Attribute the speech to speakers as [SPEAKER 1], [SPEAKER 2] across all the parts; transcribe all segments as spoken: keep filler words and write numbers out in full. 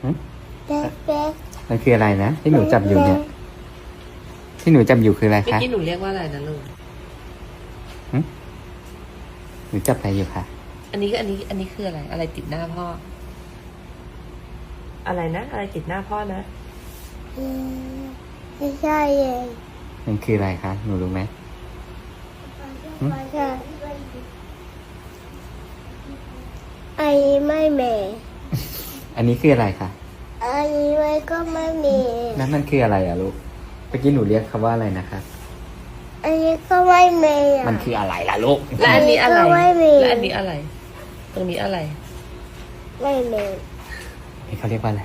[SPEAKER 1] เป๊กเป๊ก
[SPEAKER 2] มันคืออะไรนะที่หนูจับอยู่เนี่ยที่หนูจับอยู่คืออะไร
[SPEAKER 3] เมื่อ
[SPEAKER 2] คะ
[SPEAKER 3] กี้หนูเรียกว่าอะไรนะลูก
[SPEAKER 2] หนูจับอะไรอยู่คะ
[SPEAKER 3] อันนี้ก็อันนี้อันนี้คืออะไร อะไรติดหน้าพ่อ อะไรนะ อะไรติดหน้าพ่อนะ
[SPEAKER 1] อืมไม่ใช่เอง
[SPEAKER 2] มันคืออะไรคะหนูรู้ไหม
[SPEAKER 1] ไม่ใช่ไอ้ไม่แม่
[SPEAKER 2] อันนี้คืออะไรคะ
[SPEAKER 1] อันนี้ไม่ก็ไม่มี
[SPEAKER 2] นั่นมันคืออะไรอะลูกเมื่อกี้หนูเรียกคำว่าอะไรนะคะ
[SPEAKER 1] อันนี้ก็ไม่มีอ่ะ
[SPEAKER 2] มันคืออะไรล่ะลูก
[SPEAKER 3] และอันนี้อะไร
[SPEAKER 1] ก็ไม่มี
[SPEAKER 3] และอันนี้อะไร ตรงนี้อะไร
[SPEAKER 1] ไม่มี
[SPEAKER 2] นี่เขาเรียกว่าอะไร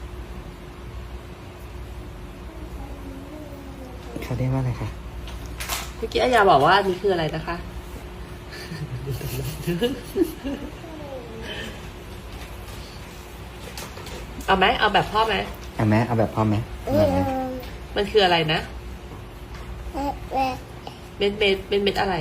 [SPEAKER 2] เขาเรียกว่าอะไรคะ
[SPEAKER 3] เมื่อกี้อายาบอกว่าอันนี้คืออะไรนะคะ เอาไหมเอาแบบพ่อไหม
[SPEAKER 2] เอาไหมเอาแบบพ่อไหม
[SPEAKER 1] เอ
[SPEAKER 2] เอา
[SPEAKER 1] อ
[SPEAKER 2] ไหม
[SPEAKER 3] มันคืออะไรนะ
[SPEAKER 1] แม่แม่
[SPEAKER 3] เม็ดเม็ดเป็นเม็ดอะไร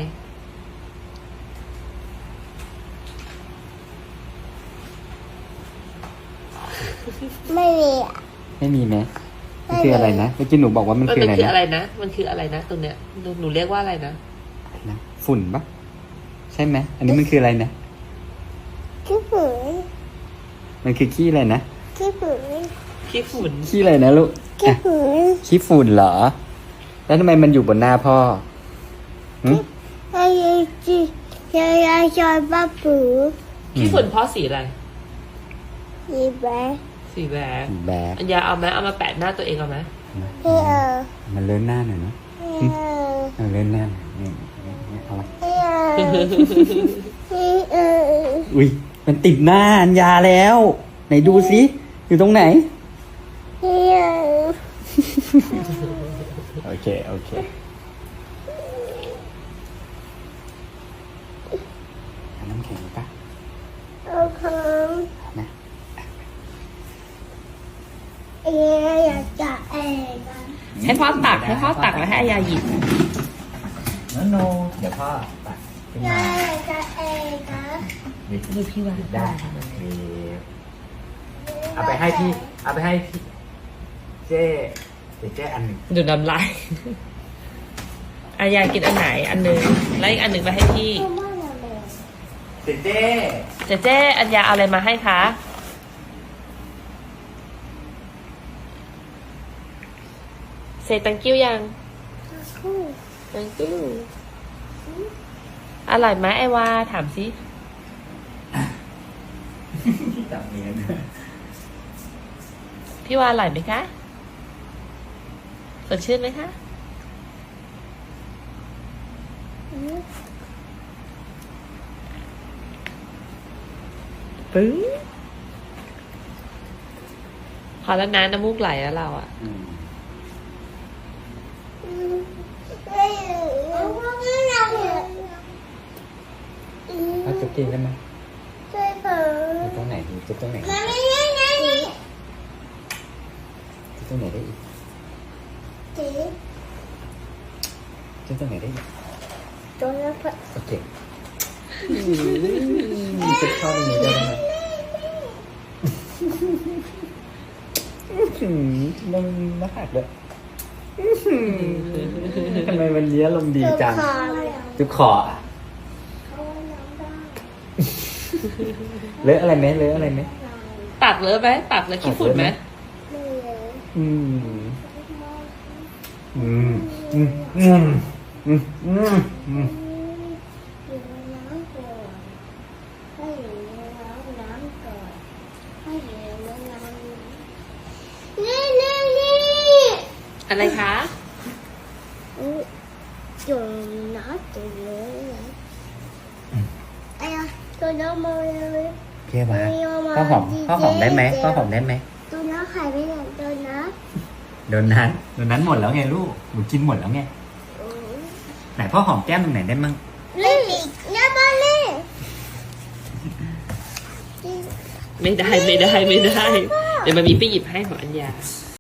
[SPEAKER 1] ไม่มีอ่ะ
[SPEAKER 2] ไม่มีไหมมันคืออะไรนะเมื่อกี้หนูบอกว่ามัน
[SPEAKER 3] มัน
[SPEAKER 2] คือ
[SPEAKER 3] เป็น
[SPEAKER 2] อะไร
[SPEAKER 3] คือ
[SPEAKER 2] นะ
[SPEAKER 3] อะไรนะ มันคืออะไรนะตรงเนี้ยหนูหนูเรียกว่าอะไรนะ
[SPEAKER 2] อะไรนะฝุ่นปะใช่ไหมอันนี้มันคืออะไรนะ
[SPEAKER 1] ขี้ฝืน
[SPEAKER 2] มันคือขี้อะไรนะ
[SPEAKER 1] ขี้ฝืน
[SPEAKER 3] ขี้ฝุ่น
[SPEAKER 2] ขี้อะไรนะลูก
[SPEAKER 1] ขี้
[SPEAKER 2] อ่ะ
[SPEAKER 1] ฝืน
[SPEAKER 2] ขี้ฝุ่นเหรอ แล้วทำไมมันอยู่บนหน้าพ่อหึ
[SPEAKER 1] ไอ้จียายาชอยป้าปู
[SPEAKER 3] ขี้ฝุ่นพ่อสีอะไร
[SPEAKER 1] ยีแบ๊
[SPEAKER 3] สีแหวก
[SPEAKER 2] แบก
[SPEAKER 3] อัญญาเอาไหมเอามาแปะหน้าตัวเองเอาไหม
[SPEAKER 1] ให้เออ
[SPEAKER 2] มันเลื่อนหน้าหน่อยเนาะ
[SPEAKER 1] ให้เออ
[SPEAKER 2] เอาเลื่อนหน้าหน่อยนี่นี่นี่เอาไว้
[SPEAKER 1] ให้เออให้เออ
[SPEAKER 2] อุ้ยมันติดหน้าอัญญาแล้ว ไหนดูสิอยู่ตรงไหน
[SPEAKER 1] ให้เออ
[SPEAKER 2] โอเค โอเคเอาน้ำแข็งปะ
[SPEAKER 1] เอาค
[SPEAKER 2] นะ
[SPEAKER 1] ำเอ๋อยากจะเอ๋กัน
[SPEAKER 3] ให้พ่อตักให้พ่อตักแล้วให้อายาหยิบ
[SPEAKER 2] โนโนเดี๋ยวพ่อตัดขึ้น
[SPEAKER 1] ยาม
[SPEAKER 2] าย
[SPEAKER 1] อยากจะเอ๋กัน
[SPEAKER 2] หยิบ
[SPEAKER 3] ดูพี่ว่า
[SPEAKER 2] หยิบได้หยิบเอาไปให้พี่ เอาไปให้พี่เจ๊เดี๋ยวเจ๊อันหนึ่ง
[SPEAKER 3] ดูน้ำลาย อายากินอันไหนอันหนึ่งแล้วอีกอันหนึ่งไปให้พี่
[SPEAKER 1] ก็ไม่ละเลย
[SPEAKER 2] เจ๊เจ๊
[SPEAKER 3] เจเจอัญญาเอาอะไรมาให้คะเซตังกิ้วยัง
[SPEAKER 1] คู่
[SPEAKER 3] ตังกิ้วอร่อยไหมไอวาถามสิ
[SPEAKER 2] จับเนียน
[SPEAKER 3] พี่วาอร่อยไหมคะสดชื่นไหมคะปึ้งพอแล้วนะน้ำมูกไหลแล้วเราอะ
[SPEAKER 2] อืม
[SPEAKER 1] ไม่เอาไม่เอาเลย
[SPEAKER 2] เอาจุ๊บกินได้ไหม
[SPEAKER 1] ช่วยเปิ
[SPEAKER 2] จุ๊
[SPEAKER 1] ด
[SPEAKER 2] บตรงไหนดีจุ๊บตรงไหน
[SPEAKER 1] มันไม่ได้ไงนี่
[SPEAKER 2] จุ๊บตรงไหนได้อีก
[SPEAKER 1] จี
[SPEAKER 2] จุ๊บตรงไหนได้อีก
[SPEAKER 1] ตัวนั้นเปิด
[SPEAKER 2] โอเคจุ๊บเข้าตรงนี้ได้ไหมมันน่าหักเลยทำไมวันนี้อารมณ์ดีจัง
[SPEAKER 1] คอเลย
[SPEAKER 2] จุ๊บคออะ
[SPEAKER 1] เขาน้ำได้
[SPEAKER 2] เลอะอะไรไหมเลอะอะไรไหม
[SPEAKER 3] ตักเลยไหมตักเลยขี้ฝุ่นไหม
[SPEAKER 1] ไม่เลย
[SPEAKER 2] อืมอืมอืมอืมอืมอืมอืม
[SPEAKER 1] อยู่ในน้ำก่อนให้อยู่ในน้ำน้ำก่อนให้อยู่ในน้ำนี่นี่นี่
[SPEAKER 3] อะไรคะ
[SPEAKER 1] อยู่น้ำตัวเยอะเลยไอ้อะตัวน้ำมาเลย
[SPEAKER 2] เพี้ยมาข้าวหอมข้าวหอมได้ไหมข้าวหอมได้ไหม
[SPEAKER 1] ตัวน้ำไข่ไม่ได้ตัวน้
[SPEAKER 2] โดนนั้นโดนนั้นหมดแล้วไงลูกหนูกินหมดแล้วไง
[SPEAKER 1] ำ
[SPEAKER 2] ไหนพ่อหอมแก้มตรงไหนได้มั่ง
[SPEAKER 1] นี่น้ำมาเลย
[SPEAKER 3] ไม่ได้ไม่ได้ไม่ได้ เดี๋ยวมามีไปหยิบให้ของอัญญา